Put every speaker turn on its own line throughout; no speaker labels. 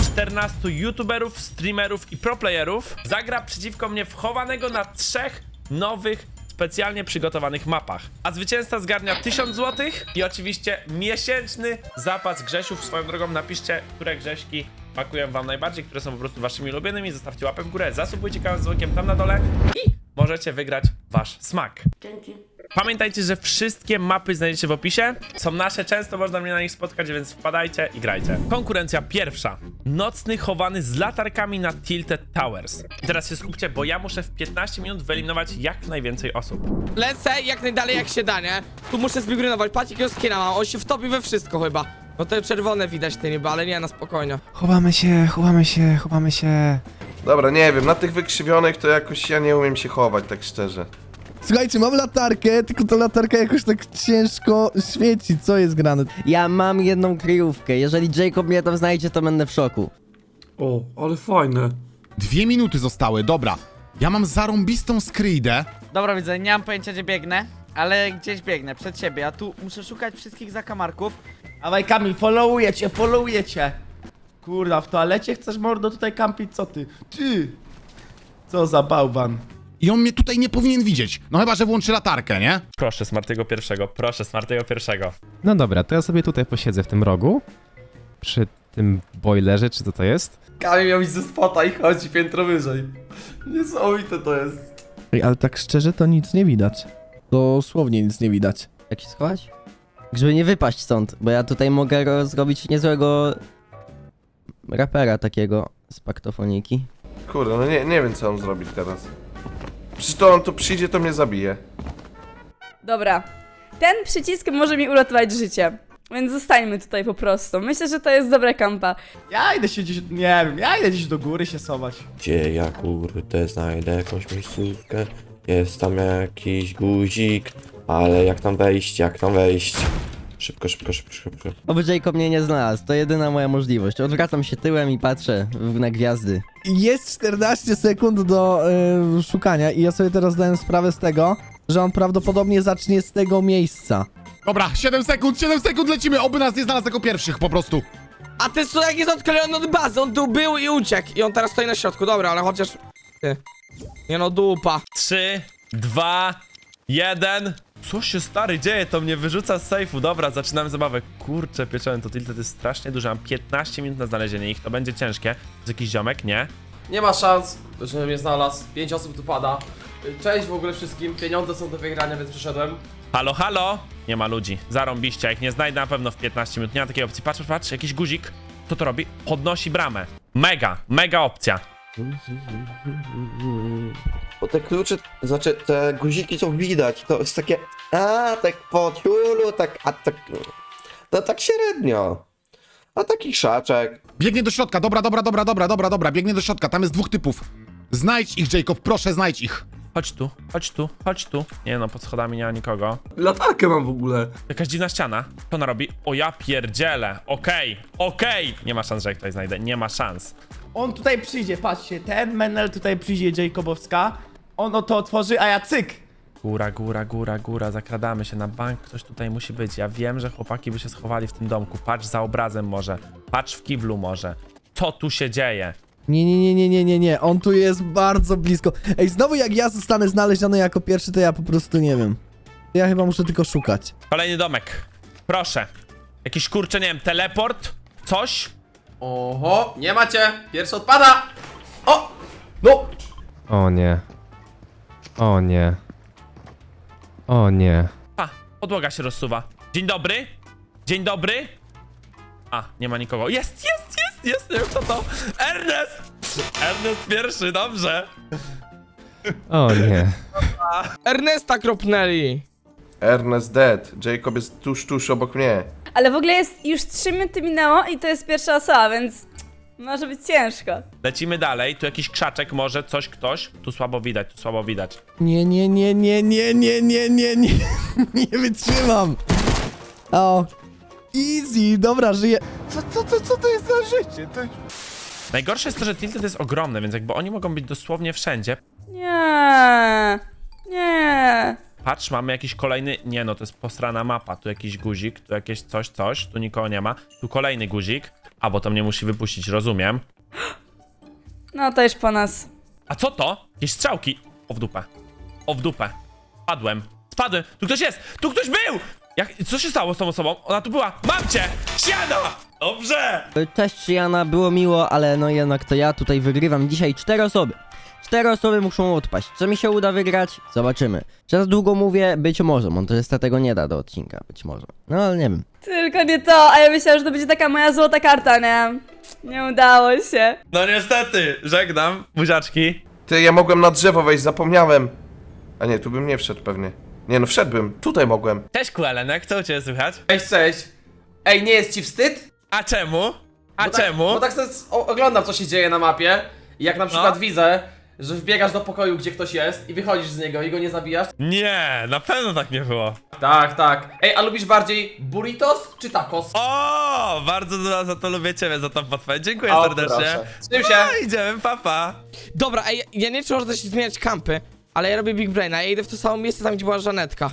14 youtuberów, streamerów i proplayerów zagra przeciwko mnie w chowanego na 3 nowych, specjalnie przygotowanych mapach. A zwycięzca zgarnia 1000 zł i oczywiście miesięczny zapas grzesiów. Swoją drogą napiszcie, które grześki pakują wam najbardziej, które są po prostu waszymi ulubionymi. Zostawcie łapę w górę, zasubujcie kanał z dzwonkiem tam na dole i możecie wygrać wasz smak.
Dzięki.
Pamiętajcie, że wszystkie mapy znajdziecie w opisie. Są nasze, często można mnie na nich spotkać, więc wpadajcie i grajcie. Konkurencja pierwsza. Nocny chowany z latarkami na Tilted Towers. I teraz się skupcie, bo ja muszę w 15 minut wyeliminować jak najwięcej osób.
Lecę jak najdalej jak się da, nie? Tu muszę zbigrynować, patrz jakiego skina mam, on się wtopi we wszystko chyba. No te czerwone widać te niby, ale nie, na spokojnie.
Chowamy się, chowamy się, chowamy się.
Dobra, nie wiem, na tych wykrzywionych to jakoś ja nie umiem się chować, tak szczerze.
Słuchajcie, mam latarkę, tylko ta latarka jakoś tak ciężko świeci. Co jest grane?
Ja mam jedną kryjówkę. Jeżeli Jacob mnie tam znajdzie, to będę w szoku.
O, ale fajne.
2 minuty zostały, dobra. Ja mam zarąbistą skryjdę.
Dobra, widzę, nie mam pojęcia gdzie biegnę, ale gdzieś biegnę, przed siebie, a tu muszę szukać wszystkich zakamarków.
Dawaj Kamil, followuję cię. Kurwa, w toalecie chcesz mordo tutaj kampić, co ty? Ty! Co za bałwan.
I on mnie tutaj nie powinien widzieć. No chyba, że włączy latarkę, nie?
Proszę Smartego pierwszego, proszę Smartego pierwszego.
No dobra, to ja sobie tutaj posiedzę w tym rogu. Przy tym boilerze, czy co to jest?
Kamil miał iść ze spota i chodzi piętro wyżej. Niesamowite to jest.
Ej, ale tak szczerze to nic nie widać. Dosłownie nic nie widać.
Jak się schować? Żeby nie wypaść stąd, bo ja tutaj mogę zrobić niezłego rapera takiego z paktofoniki.
Kurde, no nie wiem co mam zrobić teraz. Przecież to on tu przyjdzie, to mnie zabije.
Dobra. Ten przycisk może mi uratować życie. Więc zostańmy tutaj po prostu. Myślę, że to jest dobra kampa.
Ja idę się gdzieś, nie wiem, ja idę gdzieś do góry się schować.
Gdzie ja kurde znajdę jakąś miejscówkę? Jest tam jakiś guzik, ale jak tam wejść? Szybko.
Oby Jacob mnie nie znalazł, to jedyna moja możliwość. Odwracam się tyłem i patrzę na gwiazdy.
Jest 14 sekund do szukania i ja sobie teraz zdałem sprawę z tego, że on prawdopodobnie zacznie z tego miejsca.
Dobra, 7 sekund, lecimy. Oby nas nie znalazł jako pierwszych po prostu.
A ten jak jest odklejony od bazy, on tu był i uciekł. I on teraz stoi na środku, dobra, ale chociaż... Ty. Nie no, dupa.
3, 2, 1. Co się stary dzieje? To mnie wyrzuca z sejfu. Dobra, zaczynamy zabawę. Kurczę, pieczony, to Tilted jest strasznie duży. Mam 15 minut na znalezienie ich. To będzie ciężkie. Jest jakiś ziomek? Nie?
Nie ma szans, że mnie znalazł. 5 osób tu pada. Cześć w ogóle wszystkim, pieniądze są do wygrania, więc przyszedłem.
Halo, halo? Nie ma ludzi. Zarąbiście. Jak nie znajdę na pewno w 15 minut. Nie ma takiej opcji. Patrz, jakiś guzik. Co to robi? Podnosi bramę. Mega opcja.
Bo te klucze, znaczy te guziki są widać, to jest takie, tak po ciulu, tak, no tak średnio. A taki szaczek.
Biegnie do środka, dobra, biegnie do środka, tam jest 2 typów. Znajdź ich, Jacob, proszę, znajdź ich.
Chodź tu. Nie no, pod schodami nie ma nikogo.
Latarkę mam w ogóle.
Jakaś dziwna ściana. Co ona robi? O ja pierdzielę. Okej. Nie ma szans, że ich tutaj znajdę. Nie ma szans.
On tutaj przyjdzie, patrzcie, ten menel tutaj przyjdzie, Jacobowska. On to otworzy, a ja cyk.
Góra. Zakradamy się na bank. Ktoś tutaj musi być. Ja wiem, że chłopaki by się schowali w tym domku. Patrz za obrazem może. Patrz w kiblu może. Co tu się dzieje?
Nie, on tu jest bardzo blisko. Ej, znowu jak ja zostanę znaleziony jako pierwszy, to ja po prostu nie wiem. Ja chyba muszę tylko szukać.
Kolejny domek. Proszę. Jakiś kurczę, nie wiem, teleport? Coś?
Oho, nie macie, pierwszy odpada. O, no.
O nie.
A, podłoga się rozsuwa. Dzień dobry. A, nie ma nikogo. Jest, nie wiem kto to. Ernest pierwszy, dobrze.
O nie.
Ernesta kropnęli.
Ernest dead. Jacob jest tuż obok mnie.
Ale w ogóle jest już 3 minuty minęło i to jest pierwsza osoba, więc może być ciężko.
Lecimy dalej, tu jakiś krzaczek może, ktoś. Tu słabo widać.
Nie. Nie wytrzymam. O. Easy, dobra, żyję. Co to jest za życie?
Najgorsze jest to, że Tilted jest ogromny, więc jakby oni mogą być dosłownie wszędzie.
Nie.
Patrz, mamy jakiś kolejny... Nie no, to jest posrana mapa. Tu jakiś guzik, tu jakieś coś. Tu nikogo nie ma. Tu kolejny guzik. A, bo to mnie musi wypuścić, rozumiem.
No to już po nas.
A co to? Jakieś strzałki. O w dupę. O w dupę. Spadłem. Tu ktoś jest! Tu ktoś był! Co się stało z tą osobą? Ona tu była. Mam cię! Siana! Dobrze!
Cześć Jana, było miło, ale no jednak to ja tutaj wygrywam dzisiaj 4 osoby. 4 osoby muszą odpaść. Czy mi się uda wygrać? Zobaczymy. Czy za długo mówię? Być może. Montażysta tego nie da do odcinka. Być może. No ale nie wiem.
Tylko nie to, a ja myślałam, że to będzie taka moja złota karta, nie? Nie udało się.
No niestety, żegnam, buziaczki.
Ty, ja mogłem na drzewo wejść, zapomniałem. A nie, tu bym nie wszedł pewnie. Nie no, wszedłbym. Tutaj mogłem.
Cześć Kuelenek, co u ciebie słychać?
Cześć. Ej, nie jest ci wstyd?
A czemu?
Bo tak sobie oglądam, co się dzieje na mapie. I jak na przykład
No.
widzę, że wbiegasz do pokoju, gdzie ktoś jest i wychodzisz z niego i go nie zabijasz.
Nie, na pewno tak nie było.
Tak. Ej, a lubisz bardziej burritos czy tacos?
O, bardzo za to lubię ciebie, za tą podpowiedź. Dziękuję
O,
serdecznie.
proszę. Trzym się.
No, idziemy, papa.
Dobra, ej, ja nie wiem, czy można się zmieniać kampy, ale ja robię Big Braina, ja idę w to samo miejsce tam, gdzie była Żanetka.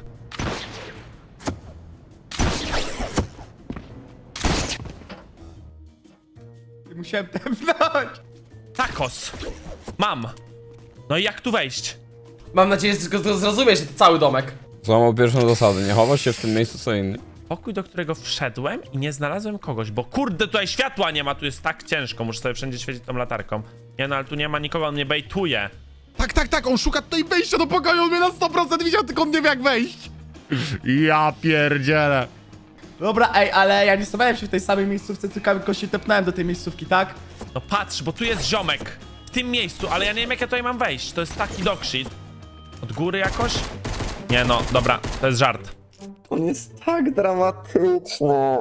Musiałem tepnąć.
Tacos. Mam. No i jak tu wejść?
Mam nadzieję, że tylko zrozumiesz, że to cały domek.
Złamał pierwszą zasadę, nie chowasz się w tym miejscu co inny.
Pokój, do którego wszedłem i nie znalazłem kogoś, bo kurde, tutaj światła nie ma, tu jest tak ciężko, muszę sobie wszędzie świecić tą latarką. Nie no, ale tu nie ma nikogo, on mnie bejtuje.
Tak, on szuka tutaj wejścia do pokoju, on mnie na 100% widział, tylko on nie wie jak wejść. Ja pierdzielę.
Dobra, ej, ale ja nie stawałem się w tej samej miejscówce, tylko się tepnąłem do tej miejscówki, tak?
No patrz, bo tu jest ziomek. W tym miejscu, ale ja nie wiem jak ja tutaj mam wejść. To jest taki dogshit. Od góry jakoś? Nie no, dobra, to jest żart.
On jest tak dramatyczny.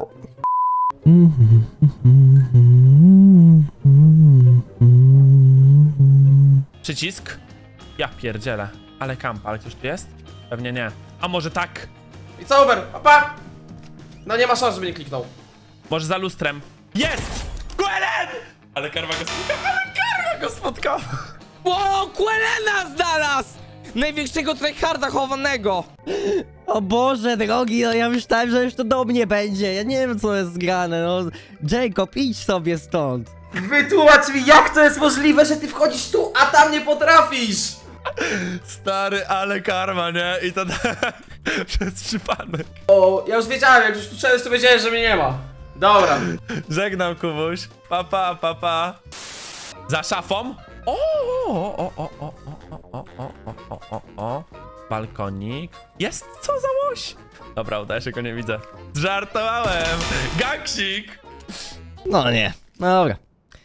Przycisk? Ja pierdzielę. Ale kampa, ale ktoś tu jest? Pewnie nie. A może tak?
I co, Uber? Papa! No nie ma szans, żeby nie kliknął.
Może za lustrem? Jest! Gwelen! Ale karma go spotkała!
O, Quelena znalazł! Największego tryharda chowanego!
O Boże drogi, no ja myślałem, że już to do mnie będzie. Ja nie wiem co jest grane, no. Jacob, idź sobie stąd.
Wytłumacz mi, jak to jest możliwe, że ty wchodzisz tu, a tam nie potrafisz!
Stary, ale karma, nie? I to przez przypadek.
O, ja już wiedziałem, jak już tu szedłeś, to wiedziałem, że mnie nie ma. Dobra.
Żegnam, Kubuś. Pa. Za szafą? O. Balkonik. Jest, co za łoś? Dobra, udaje się, go nie widzę. Żartowałem. Gangsik.
No nie, no dobra.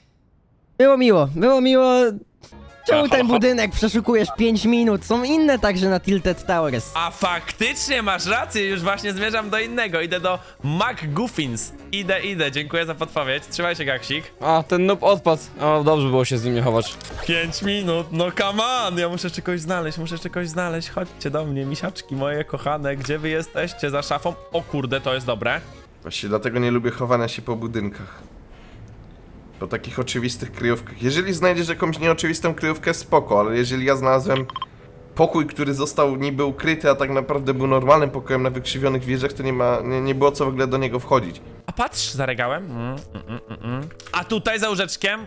Było miło. Czemu ten budynek przeszukujesz 5 minut? Są inne także na Tilted Towers.
A faktycznie masz rację, już właśnie zmierzam do innego. Idę do McGuffins. Idę. Dziękuję za podpowiedź. Trzymaj się, Gaksik.
A, ten noob odpadł. O, dobrze było się z nim nie chować.
5 minut, no come on! Ja muszę jeszcze kogoś znaleźć. Chodźcie do mnie, misiaczki moje kochane. Gdzie wy jesteście? Za szafą? O kurde, to jest dobre.
Właśnie dlatego nie lubię chowania się po budynkach. Po takich oczywistych kryjówkach. Jeżeli znajdziesz jakąś nieoczywistą kryjówkę, spoko, ale jeżeli ja znalazłem pokój, który został niby ukryty, a tak naprawdę był normalnym pokojem na wykrzywionych wieżach, to nie było co w ogóle do niego wchodzić.
A patrz, za regałem. A tutaj za łóżeczkiem.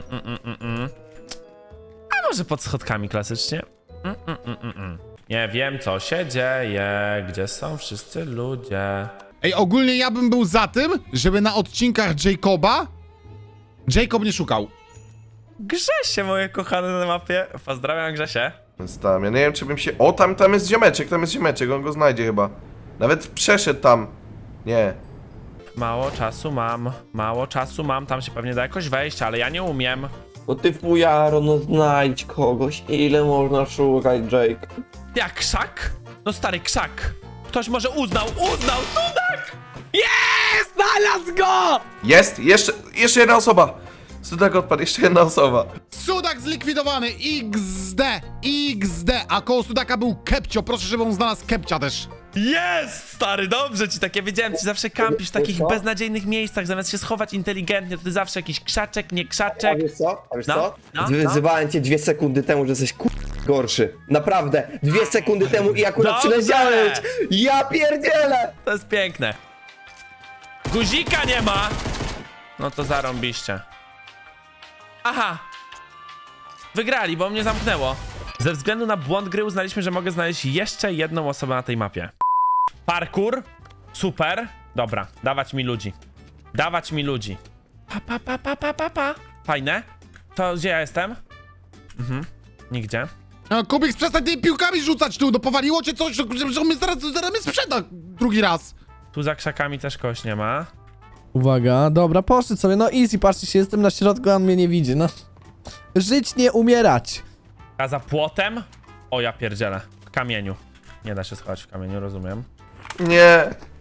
A może pod schodkami klasycznie. Nie wiem, co się dzieje. Gdzie są wszyscy ludzie?
Ej, ogólnie ja bym był za tym, żeby na odcinkach Jacoba Jacob nie szukał.
Grzesie, moje kochane na mapie. Pozdrawiam, Grzesie.
Więc tam, ja nie wiem czy bym się... O, tam jest ziomeczek, on go znajdzie chyba. Nawet przeszedł tam. Nie.
Mało czasu mam. Tam się pewnie da jakoś wejść, ale ja nie umiem.
No ty fujaro, no znajdź kogoś. Ile można szukać, Jake?
Jak krzak? No stary krzak. Ktoś może uznał, Sudak!
Jest! Znalazł go!
Jest! Jeszcze jedna osoba! Sudak odpadł, jeszcze jedna osoba.
Sudak zlikwidowany! XD! A koło Sudaka był Kepcio, proszę, żeby on znalazł Kepcia też.
Jest, stary, dobrze ci tak, ja wiedziałem, ty zawsze kampisz w takich beznadziejnych miejscach, zamiast się schować inteligentnie, to ty zawsze jakiś krzaczek, nie krzaczek.
A wiesz co?
No.
Wyzywałem cię 2 sekundy temu, że jesteś gorszy. Naprawdę. 2 sekundy temu i akurat
Dobrze.
przyleciałeś. Ja pierdzielę!
To jest piękne. Guzika nie ma! No to zarąbiście. Aha! Wygrali, bo mnie zamknęło. Ze względu na błąd gry uznaliśmy, że mogę znaleźć jeszcze jedną osobę na tej mapie. Parkour. Super. Dobra, dawać mi ludzi. Dawać mi ludzi. Pa. Fajne. To gdzie ja jestem? Nigdzie.
No, Kubik, przestań tymi piłkami rzucać tu, no powaliło cię coś, że mnie zaraz mnie sprzeda drugi raz.
Tu za krzakami też kogoś nie ma.
Uwaga, dobra, poszedł sobie, no easy, patrzcie się, jestem na środku, a on mnie nie widzi, no. Żyć, nie umierać.
A za płotem? O, ja pierdzielę. W kamieniu. Nie da się schować w kamieniu, rozumiem.
Nie.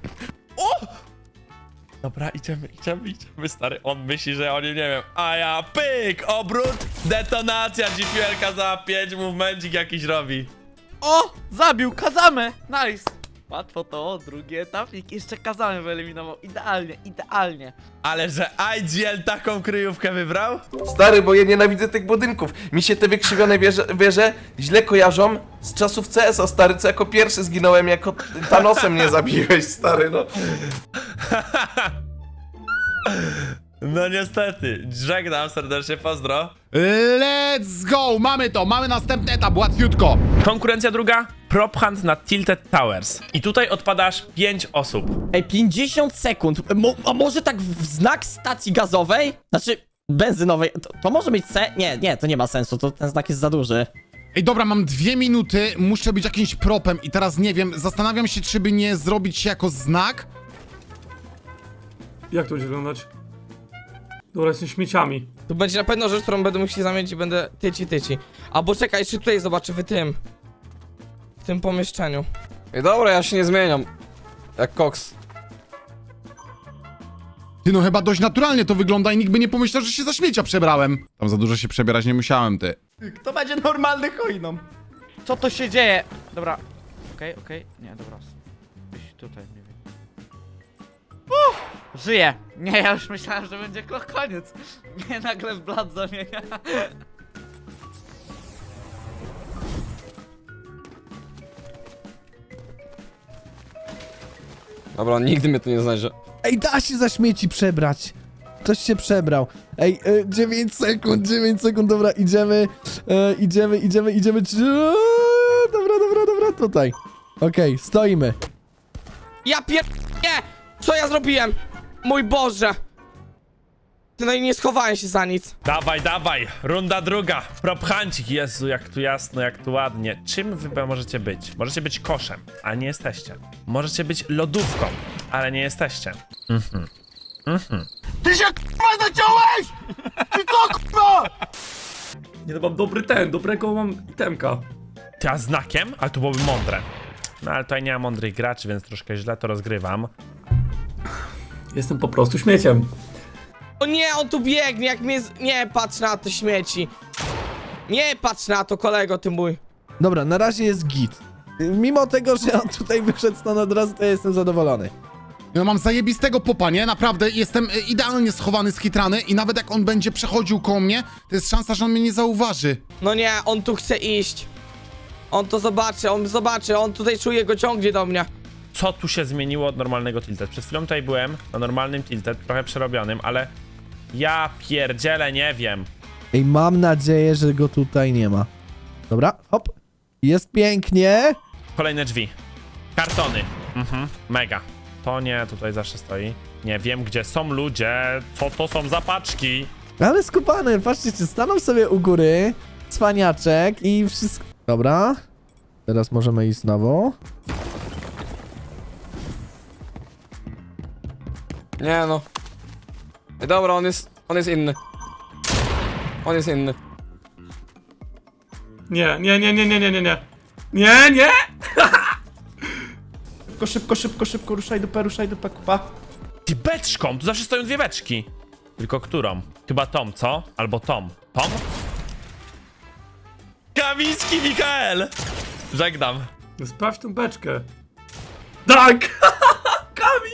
Dobra, idziemy, stary. On myśli, że oni, nie wiem. A ja pyk, obrót, detonacja, GPL-ka za 5, movementik jakiś robi.
O! Zabił Kazamę! Nice! Łatwo to, drugi etapik. Jeszcze Kazamę wyeliminował. Idealnie.
Ale że IGL taką kryjówkę wybrał?
Stary, bo ja nienawidzę tych budynków. Mi się te wykrzywione wieże źle kojarzą z czasów CS-a, stary, co jako pierwszy zginąłem, jako Thanosem mnie zabiłeś, stary, no.
No niestety. Żegnam serdecznie, pozdro.
Let's go, mamy to, mamy następny etap, łatwiutko.
Konkurencja druga. Prop hunt na Tilted Towers. I tutaj odpadasz 5 osób.
Ej, 50 sekund. A może tak w znak stacji gazowej? Znaczy, benzynowej. To może być Nie, to nie ma sensu, ten znak jest za duży.
Ej, dobra, mam 2 minuty, muszę być jakimś propem i teraz nie wiem, zastanawiam się, czy by nie zrobić się jako znak.
Jak to będzie wyglądać? Dobra, jestem śmieciami.
Tu będzie na pewno rzecz, którą będę musiał zamienić i będę tyci. Albo czekaj, jeszcze tutaj zobaczę w tym pomieszczeniu.
Ej, dobra, ja się nie zmieniam. Jak koks.
Ty, no chyba dość naturalnie to wygląda i nikt by nie pomyślał, że się za śmiecia przebrałem. Tam za dużo się przebierać nie musiałem, ty.
Kto będzie normalny hojną?
Co to się dzieje? Dobra. Okej. Nie, dobra. Gdzieś tutaj, nie wiem. Żyję! Nie, ja już myślałem, że będzie koniec. Mnie nagle w blat zamienia.
Dobra, nigdy mnie tu nie znajdzie.
Ej, da się za śmieci przebrać. Ktoś się przebrał. Ej, 9 sekund, dobra, idziemy. Dobra, tutaj. Okej, stoimy.
Ja Nie! Co ja zrobiłem? Mój Boże! Ty, no i nie schowałem się za nic.
Dawaj, runda druga. Prop huncik, Jezu, jak tu jasno, jak tu ładnie. Czym wy możecie być? Możecie być koszem, a nie jesteście. Możecie być lodówką, ale nie jesteście.
Ty się k***a zaciąłeś! Ty co k***a?
Nie, no mam dobrego mam itemka.
Ty, a znakiem? Ale to byłoby mądre. No ale tutaj nie ma mądrych graczy, więc troszkę źle to rozgrywam.
Jestem po prostu śmieciem.
O nie, on tu biegnie, jak mnie Nie patrz na to, śmieci. Nie patrz na to, kolego, ty mój.
Dobra, na razie jest git. Mimo tego, że on tutaj wyszedł stąd od razu, to ja jestem zadowolony.
No mam zajebistego popa, nie? Naprawdę, jestem idealnie schowany, skitrany i nawet jak on będzie przechodził koło mnie, to jest szansa, że on mnie nie zauważy.
No nie, on tu chce iść. On to zobaczy, on tutaj czuje, go ciągnie do mnie.
Co tu się zmieniło od normalnego tilted? Przed chwilą tutaj byłem na normalnym tilted, trochę przerobionym, ale ja pierdzielę, nie wiem.
Ej, mam nadzieję, że go tutaj nie ma. Dobra, hop. Jest pięknie.
Kolejne drzwi. Kartony. Mega. To nie, tutaj zawsze stoi. Nie wiem, gdzie są ludzie. Co to są za paczki?
Ale skupany, patrzcie, stanął sobie u góry. Cwaniaczek i wszystko. Dobra. Teraz możemy iść znowu.
Nie no. Ej, dobra, on jest inny. On jest inny.
Nie.
Szybko, ruszaj dupę, kupa.
Ty, beczką! Tu zawsze stoją dwie beczki. Tylko którą? Chyba Tom, co? Albo Tom. Tom? Kamiński Mikael! Żegnam.
Sprawdź tą beczkę. Tak! Kami!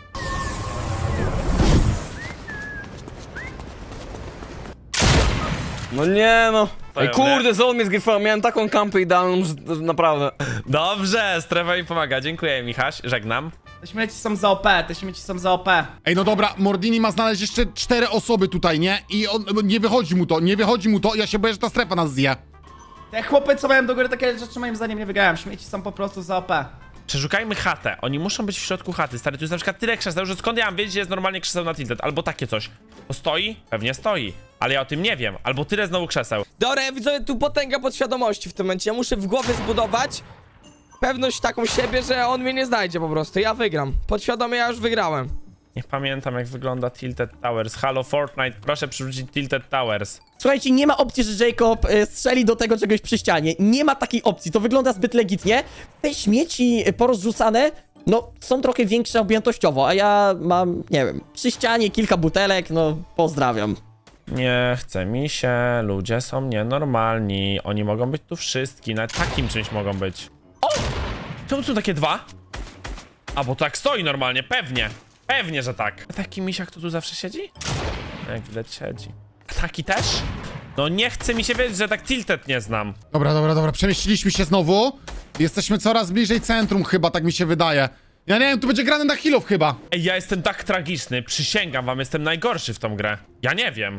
No nie no. Ej,
Pełne.
kurde, znowu mnie zgryfał. Miałem taką kampę idealną, że naprawdę.
Dobrze, strefa mi pomaga. Dziękuję, Michaś. Żegnam.
Te śmieci są za OP, te śmieci są za OP.
Ej, no dobra, Mordini ma znaleźć jeszcze 4 osoby tutaj, nie? I on, nie wychodzi mu to, ja się boję, że ta strefa nas zje.
Te chłopy, co mają do góry takie rzeczy, moim zdaniem nie wygrałem. Śmieci są po prostu za OP.
Przeszukajmy chatę. Oni muszą być w środku chaty. Stary, tu jest na przykład tyle krzeseł, że skąd ja mam wiedzieć, że jest normalnie krzeseł na tilted? Albo takie coś. To stoi? Pewnie stoi. Ale ja o tym nie wiem. Albo tyle znowu krzeseł.
Dobra, ja widzę tu potęga podświadomości w tym momencie. Ja muszę w głowie zbudować pewność taką siebie, że on mnie nie znajdzie po prostu. Ja wygram. Podświadomie ja już wygrałem.
Nie pamiętam, jak wygląda Tilted Towers. Halo Fortnite, proszę przywrócić Tilted Towers.
Słuchajcie, nie ma opcji, że Jacob strzeli do tego czegoś przy ścianie. Nie ma takiej opcji, to wygląda zbyt legitnie. Te śmieci porozrzucane, no, są trochę większe objętościowo, a ja mam, nie wiem, przy ścianie kilka butelek, no, pozdrawiam.
Nie chce mi się, ludzie są nienormalni. Oni mogą być tu wszystkim, nawet takim czymś mogą być. O! Czemu są takie dwa? A, bo tak stoi normalnie, pewnie. Pewnie, że tak. A taki misiak to tu zawsze siedzi? Jak widać siedzi. A taki też? No nie chce mi się wiedzieć, że tak tilted nie znam.
Dobra, przemieściliśmy się znowu. Jesteśmy coraz bliżej centrum chyba, tak mi się wydaje. Ja nie wiem, tu będzie grane na healów chyba.
Ej, ja jestem tak tragiczny, przysięgam wam, jestem najgorszy w tą grę. Ja nie wiem,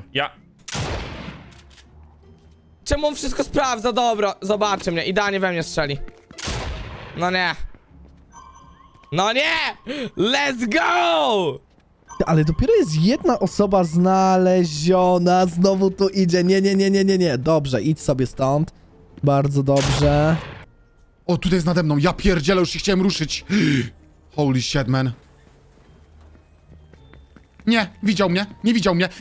Czemu on wszystko sprawdza? Dobra, zobaczy mnie. Idealnie we mnie strzeli. No nie. No nie! Let's go!
Ale dopiero jest jedna osoba znaleziona, znowu tu idzie, nie. Dobrze, idź sobie stąd. Bardzo dobrze.
O, tutaj jest nade mną, ja pierdzielę, już się chciałem ruszyć. Holy shit, man. Nie, widział mnie, nie widział mnie,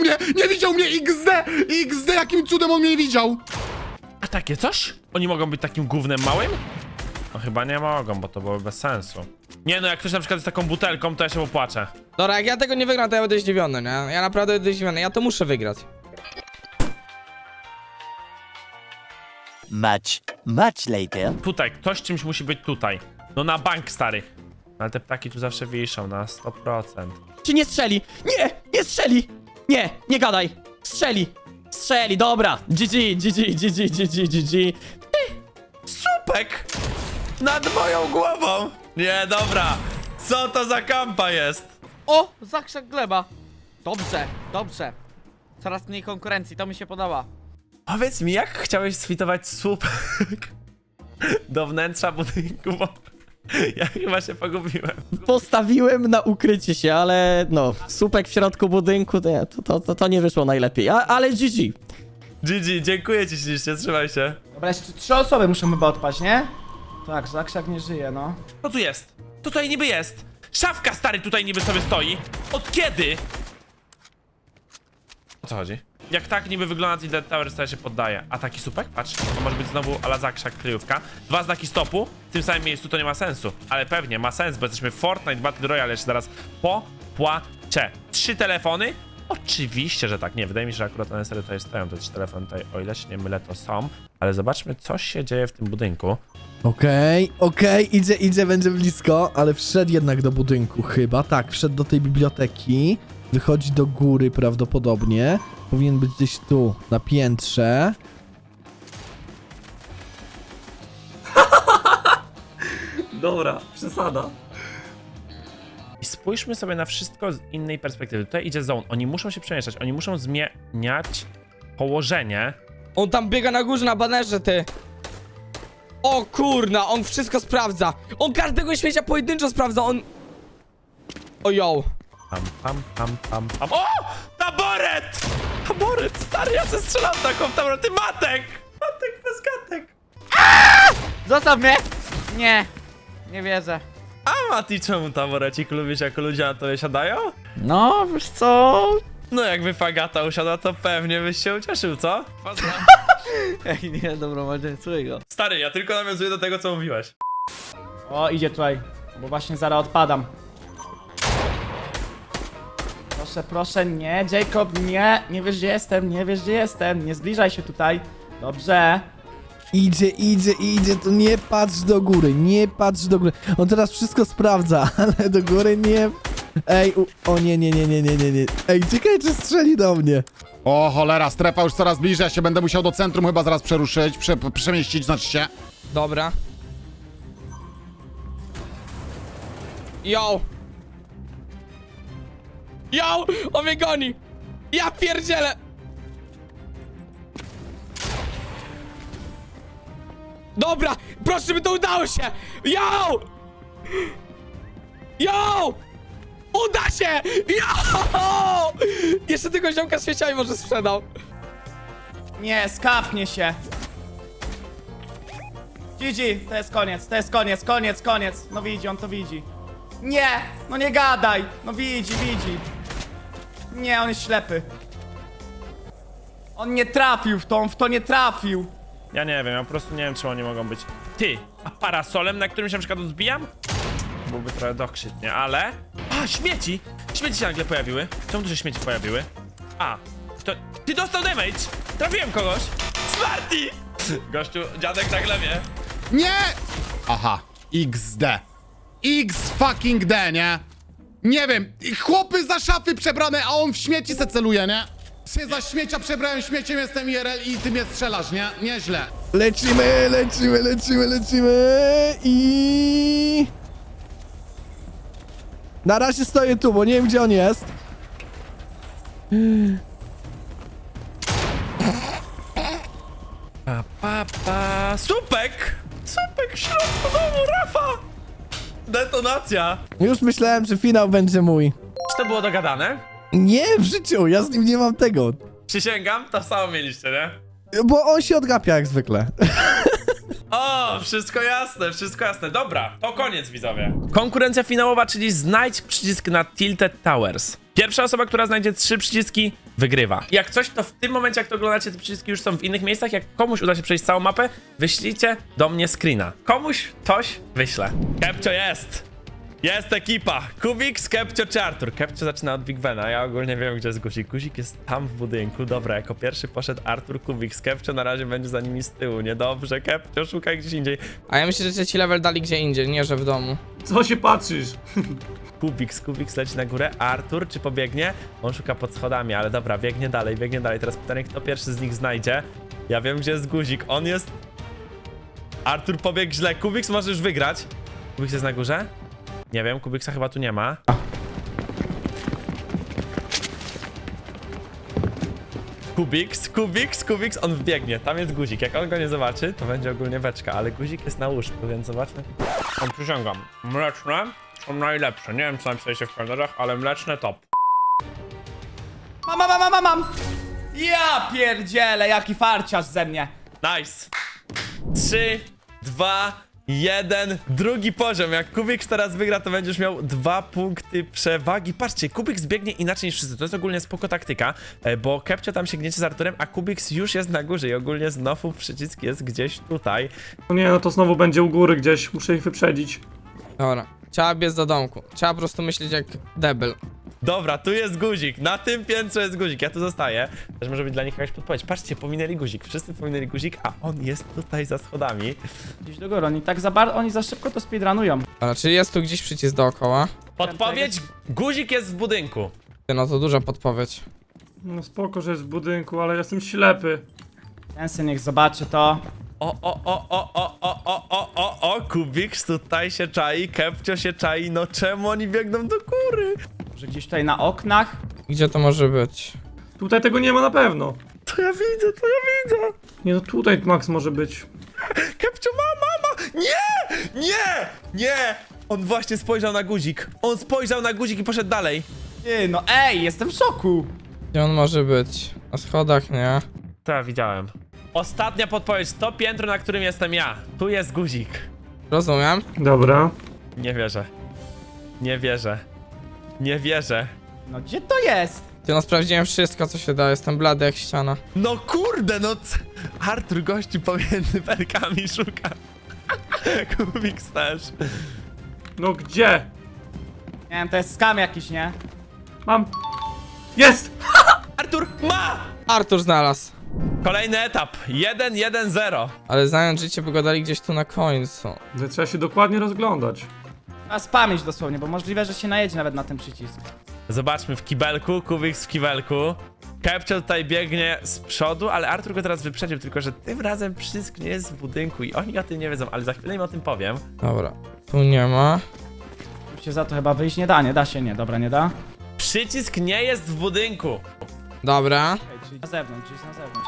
XD, jakim cudem on mnie nie widział.
A takie coś? Oni mogą być takim gównem małym? No chyba nie mogą, bo to byłoby bez sensu. Nie no, jak ktoś na przykład jest taką butelką, to ja się popłaczę.
Dobra, jak ja tego nie wygram, to ja będę zdziwiony, nie? Ja naprawdę będę zdziwiony, ja to muszę wygrać.
Much later.
Tutaj, ktoś czymś musi być tutaj. No na bank, stary. Ale te ptaki tu zawsze wiszą na 100%.
Czy nie strzeli? Nie strzeli! Nie gadaj! Strzeli, dobra! GG.
Supek! Nad moją głową! Nie, dobra. Co to za kampa jest?
O! Zakrzak gleba. Dobrze. Coraz mniej konkurencji, to mi się podoba.
Powiedz mi, jak chciałeś sfitować słupek do wnętrza budynku, bo ja chyba się pogubiłem.
Postawiłem na ukrycie się, ale no, słupek w środku budynku, to nie wyszło najlepiej, ale GG.
GG, dziękuję ci ślicznie, trzymaj się.
Dobra, jeszcze 3 osoby muszą chyba odpaść, nie? Tak, Zakrzak nie żyje, no.
Co tu jest? Co tutaj niby jest? Szafka, stary, tutaj niby sobie stoi. Od kiedy? O co chodzi? Jak tak niby wygląda Tilted Towers, to ja się poddaję. A taki supek? Patrz, to może być znowu ala Zakrzak kryjówka. 2 znaki stopu, w tym samym miejscu to nie ma sensu. Ale pewnie ma sens, bo jesteśmy w Fortnite Battle Royale, jeszcze zaraz popłaczę. 3 telefony? Oczywiście, że tak. Nie, wydaje mi się, że akurat one serio tutaj stoją, te 3 telefony tutaj, o ile się nie mylę, to są. Ale zobaczmy, co się dzieje w tym budynku.
Okej, idzie, będzie blisko, ale wszedł jednak do budynku chyba, tak, wszedł do tej biblioteki, wychodzi do góry prawdopodobnie, powinien być gdzieś tu, na piętrze.
Dobra, przesada.
I spójrzmy sobie na wszystko z innej perspektywy. Tutaj idzie zone, oni muszą się przemieszczać, oni muszą zmieniać położenie.
On tam biega na górze na banerze, ty. O kurna, on wszystko sprawdza. On każdego śmiecia pojedynczo sprawdza, on... O yo.
Pam. O! Taboret! Taboret, stary, ja se strzelam taką w taboret. Ty Matek bez gatek.
Zostaw mnie! Nie wierzę.
A Mati, czemu taborecik lubisz, jak ludzie na tobie siadają?
No, wiesz co?
No jakby Fagata usiadła, to pewnie byś się ucieszył, co?
Ej, nie, dobra, może słuchaj go.
Stary, ja tylko nawiązuję do tego, co mówiłeś.
O, idzie tutaj, bo właśnie zaraz odpadam. Proszę, nie, Jacob, nie wiesz gdzie jestem, nie zbliżaj się tutaj. Dobrze.
Idzie, to nie patrz do góry, on teraz wszystko sprawdza, ale do góry nie... Ej, o nie, ej, czekaj, czy strzeli do mnie.
O cholera, strefa już coraz bliżej, ja się będę musiał do centrum chyba zaraz przeruszyć, przemieścić, znaczy się.
Dobra. Yo! Yo! On mnie goni! Ja pierdzielę! Dobra! Proszę, żeby to udało się! Yo! Yo! Uda się! Yo! Jeszcze tylko ziomka z świeciami może sprzedał.
Nie, skapnie się. GG, to jest koniec, to jest koniec, koniec, koniec. No widzi, on to widzi. Nie, no nie gadaj. No widzi, widzi. Nie, on jest ślepy. On nie trafił w to nie trafił.
Ja nie wiem, ja po prostu nie wiem, czemu oni mogą być. Ty, a parasolem, na którym się na przykład odbijam? Byłby trochę dokrzytnie, ale... A, śmieci! Śmieci się nagle pojawiły. Czemu tu się śmieci pojawiły? A, to... Ty dostał damage! Trafiłem kogoś! Smarty! Gościu, dziadek na glebie.
Nie! Aha, XD. X fucking D, nie? Nie wiem, chłopy za szafy przebrane, a on w śmieci se celuje, nie? Się za śmiecia przebrałem śmieciem, jestem IRL i ty mnie strzelasz, nie? Nieźle.
Lecimy, lecimy, lecimy, lecimy i... Na razie stoję tu, bo nie wiem, gdzie on jest.
Supek! Supek w środku domu, Rafa! Detonacja!
Już myślałem, że finał będzie mój.
Czy to było dogadane?
Nie, w życiu, ja z nim nie mam tego.
Przysięgam, to samo mieliście, nie?
Bo on się odgapia jak zwykle.
O, wszystko jasne, wszystko jasne. Dobra, to koniec, widzowie. Konkurencja finałowa, czyli znajdź przycisk na Tilted Towers. Pierwsza osoba, która znajdzie 3 przyciski, wygrywa. Jak coś, to w tym momencie, jak to oglądacie, te przyciski już są w innych miejscach. Jak komuś uda się przejść całą mapę, wyślijcie do mnie screena. Komuś coś wyślę. Kepcio jest! Jest ekipa! Kubik, Kepcio czy Artur? Kepcio zaczyna od Big Bena, ja ogólnie wiem, gdzie jest guzik. Guzik jest tam w budynku. Dobra, jako pierwszy poszedł Artur, Kubik. Kepcio na razie będzie za nimi z tyłu. Niedobrze, Kepcio, szukaj gdzieś indziej.
A ja myślę, że trzeci level dali gdzie indziej, nie że w domu.
Co się patrzysz?
Kubik leci na górę. Artur, czy pobiegnie? On szuka pod schodami, ale dobra, biegnie dalej, biegnie dalej. Teraz pytanie, kto pierwszy z nich znajdzie. Ja wiem, gdzie jest guzik. On jest... Artur pobiegł źle. Kubik możesz wygrać. Kubik jest na górze? Nie wiem, Kubiksa chyba tu nie ma. Kubiks, on wbiegnie. Tam jest guzik. Jak on go nie zobaczy, to będzie ogólnie beczka, ale guzik jest na łóżku, więc zobaczmy. On przysięgam. Mleczne są najlepsze. Nie wiem, co napisaliście w komentarzach, ale mleczne top.
Mam! Ja pierdzielę, jaki farciarz ze mnie.
Nice. 3, 2, 1. Drugi poziom. Jak Kubiks teraz wygra, to będziesz miał 2 punkty przewagi. Patrzcie, Kubiks biegnie inaczej niż wszyscy. To jest ogólnie spoko taktyka, bo Kepcio tam się gniecie z Arturem, a Kubiks już jest na górze i ogólnie znowu przycisk jest gdzieś tutaj.
No nie, no to znowu będzie u góry gdzieś, muszę ich wyprzedzić.
Dobra, trzeba biec do domku. Trzeba po prostu myśleć jak debil.
Dobra, tu jest guzik. Na tym piętrze jest guzik. Ja tu zostaję. Też może być dla nich jakaś podpowiedź. Patrzcie, pominęli guzik. Wszyscy pominęli guzik, a on jest tutaj za schodami.
Gdzieś do góry, oni za szybko to speedrunują.
Dobra, czyli jest tu gdzieś przycisk dookoła?
Podpowiedź, guzik jest w budynku.
No to duża podpowiedź.
No spoko, że jest w budynku, ale jestem ślepy.
Ten syn niech zobaczy to.
Kubiks tutaj się czai, Kepcio się czai. No czemu oni biegną do góry?
Może gdzieś tutaj na oknach?
Gdzie to może być?
Tutaj tego nie ma na pewno.
To ja widzę.
Nie no, tutaj Max może być.
Kepcio, mama! Nie! On właśnie spojrzał na guzik. On spojrzał na guzik i poszedł dalej.
Ty, no ej, jestem w szoku.
Gdzie on może być? Na schodach, nie?
To ja widziałem. Ostatnia podpowiedź, to piętro, na którym jestem ja. Tu jest guzik.
Rozumiem.
Dobra.
Nie wierzę.
No gdzie to jest?
Ty, no sprawdziłem wszystko, co się da. Jestem blady jak ściana.
No kurde, no Artur gości pomiędzy belkami szuka. Kubiks też.
No gdzie?
Nie wiem, to jest skam jakiś, nie?
Mam. Jest!
Artur ma!
Artur znalazł.
Kolejny etap. 1-1-0.
Ale znając życie, by go dali gdzieś tu na końcu.
Trzeba się dokładnie rozglądać.
A spamić dosłownie, bo możliwe, że się najedzie nawet na ten przycisk.
Zobaczmy w kibelku, Kubiks w kibelku. Kepcio tutaj biegnie z przodu, ale Artur go teraz wyprzedził, tylko że tym razem przycisk nie jest w budynku i oni o tym nie wiedzą, ale za chwilę im o tym powiem.
Dobra, tu nie ma.
Się za to chyba wyjść nie da, nie da się, nie, dobra, nie da.
Przycisk nie jest w budynku.
Dobra.
Okej, czyli na zewnątrz, czyli na zewnątrz.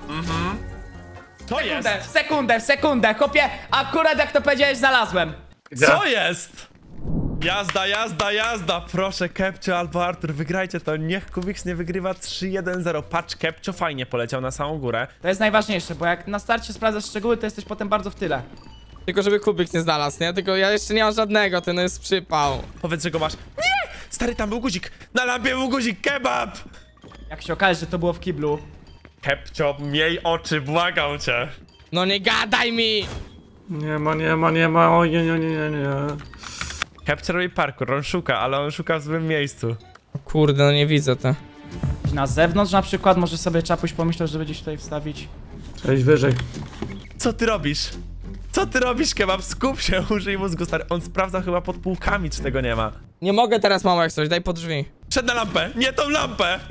To jest.
Sekundę, chłopie, akurat jak to powiedziałeś, znalazłem.
Co jest? Jazda, proszę, Kepcio albo Artur, wygrajcie to, niech Kubiks nie wygrywa 3-1-0. Patrz, Kepcio fajnie poleciał na samą górę.
To jest najważniejsze, bo jak na starcie sprawdzasz szczegóły, to jesteś potem bardzo w tyle.
Tylko żeby Kubik nie znalazł, nie? Tylko ja jeszcze nie mam żadnego, ten jest przypał.
Powiedz, że go masz. Nie! Stary, tam był guzik, na lampie był guzik, kebab!
Jak się okaże, że to było w kiblu.
Kepcio, miej oczy, błagam cię.
No nie gadaj mi!
Nie ma, oj, nie.
Kepcio robi parkour, on szuka, ale on szuka w złym miejscu.
Kurde, no nie widzę to.
Na zewnątrz na przykład, może sobie Czapuś pomyślał, żeby gdzieś tutaj wstawić.
Cześć wyżej.
Co ty robisz? Co ty robisz, kebab? Skup się, użyj mózgu, stary. On sprawdza chyba pod półkami, czy tego nie ma.
Nie mogę teraz, mamo, jak coś, daj pod drzwi.
Przed na lampę, nie tą lampę!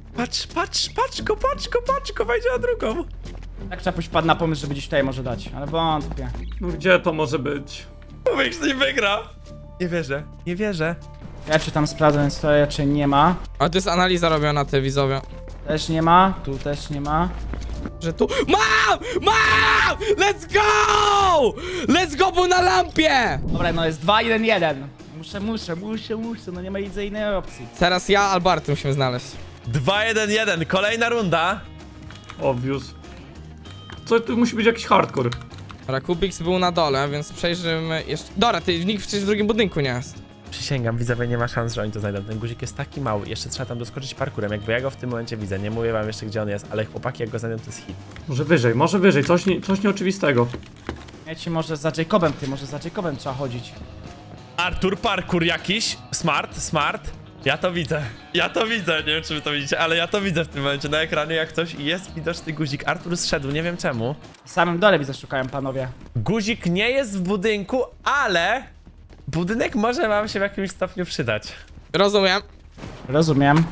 Patrz go, wejdzie na drugą.
Tak Czapuś wpadł na pomysł, żeby gdzieś tutaj może dać, ale wątpię.
No gdzie to może być?
Kubiks nie wygra. Nie wierzę.
Ja czy tam sprawdzę, więc to raczej nie ma.
Ale to jest analiza robiona, te widzowie.
Też nie ma, tu też nie ma.
Że tu... Mam! Let's go! Let's go, był na lampie!
Dobra, no jest 2-1-1. Muszę, no nie ma innej opcji.
Teraz ja albo Artur musimy znaleźć.
2-1-1, kolejna runda.
Obvious. Co, tu musi być jakiś hardcore.
Dobra, Kubiks był na dole, więc przejrzymy jeszcze... Dobra, nikt przecież w drugim budynku nie jest.
Przysięgam, widzowie, nie ma szans, że oni to znajdą. Ten guzik jest taki mały, jeszcze trzeba tam doskoczyć parkurem. Jakby ja go w tym momencie widzę, nie mówię wam jeszcze, gdzie on jest, ale chłopaki, jak go znajdą, to jest hit.
Może wyżej, coś nieoczywistego.
Ja ci może za Jacobem, może za Jacobem trzeba chodzić.
Artur, parkour jakiś. Smart. Ja to widzę, nie wiem, czy wy to widzicie, ale ja to widzę w tym momencie na ekranie, jak coś i jest widoczny guzik. Artur zszedł, nie wiem czemu.
W samym dole widzę, szukają panowie.
Guzik nie jest w budynku, ale budynek może wam się w jakimś stopniu przydać.
Rozumiem.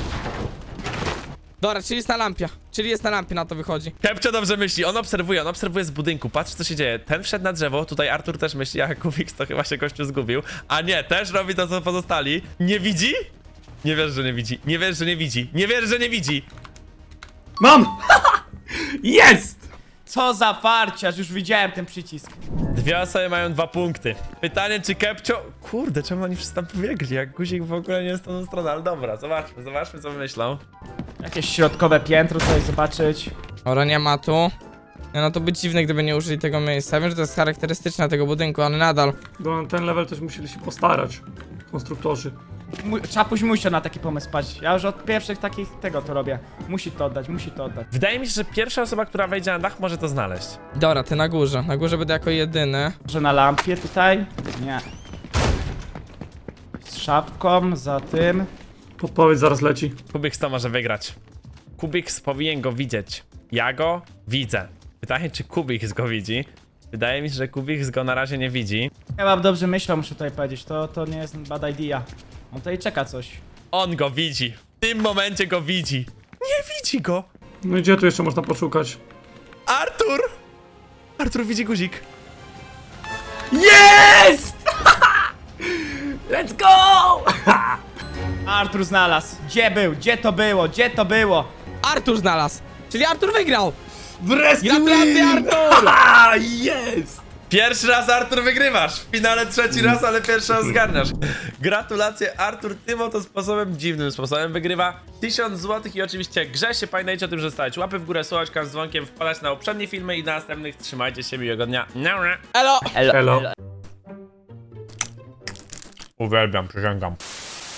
Dobra, czyli jest na lampie. Czyli jest na lampie, na to wychodzi.
Kepcio dobrze myśli, on obserwuje z budynku, patrz co się dzieje. Ten wszedł na drzewo, tutaj Artur też myśli, a Kubiks to chyba się gościu zgubił. A nie, też robi to co pozostali. Nie widzi? Nie wierzę, że nie widzi.
Mam! Jest!
Co za farciarz, już widziałem ten przycisk.
Dwie osoby mają 2 punkty. Pytanie, czy Kepcio... Kurde, czemu oni wszyscy tam pobiegli, jak guzik w ogóle nie jest tą stroną, ale dobra, zobaczmy co myślą.
Jakieś środkowe piętro tutaj zobaczyć.
Dobra, nie ma tu. Nie, no to by dziwne, gdyby nie użyli tego miejsca. Wiem, że to jest charakterystyczne tego budynku, ale nadal.
No, ten level też musieli się postarać. Konstruktorzy.
Czapuś musiał na taki pomysł paść. Ja już od pierwszych takich tego to robię. Musi to oddać.
Wydaje mi się, że pierwsza osoba, która wejdzie na dach, może to znaleźć.
Dobra, ty na górze. Na górze będę jako jedyny.
Może na lampie tutaj? Nie. Z szafką, za tym.
Podpowiedź zaraz leci.
Kubiks to może wygrać. Kubiks powinien go widzieć. Ja go widzę. Pytanie, czy Kubiks go widzi? Wydaje mi się, że Kubiks go na razie nie widzi.
Chyba dobrze myślał, muszę tutaj powiedzieć. To nie jest bad idea. On tutaj czeka coś.
On go widzi. W tym momencie go widzi. Nie widzi go.
No i gdzie tu jeszcze można poszukać?
Artur! Artur widzi guzik.
Jest! Let's go! Artur znalazł. Gdzie był? Gdzie to było?
Artur znalazł! Czyli Artur wygrał!
Wreszcie
Gratulacje, Artur!
Jest!
Pierwszy raz, Artur, wygrywasz. W finale trzeci raz, ale pierwszy raz zgarniasz. Gratulacje, Artur. Tym oto sposobem, dziwnym sposobem wygrywa 1000 zł i oczywiście grze się. Pamiętajcie o tym, że stawiać łapy w górę, słuchać z dzwonkiem, wpadać na poprzednie filmy i na następnych. Trzymajcie się, miłego dnia.
Elo!
Elo.
Uwielbiam, przysięgam.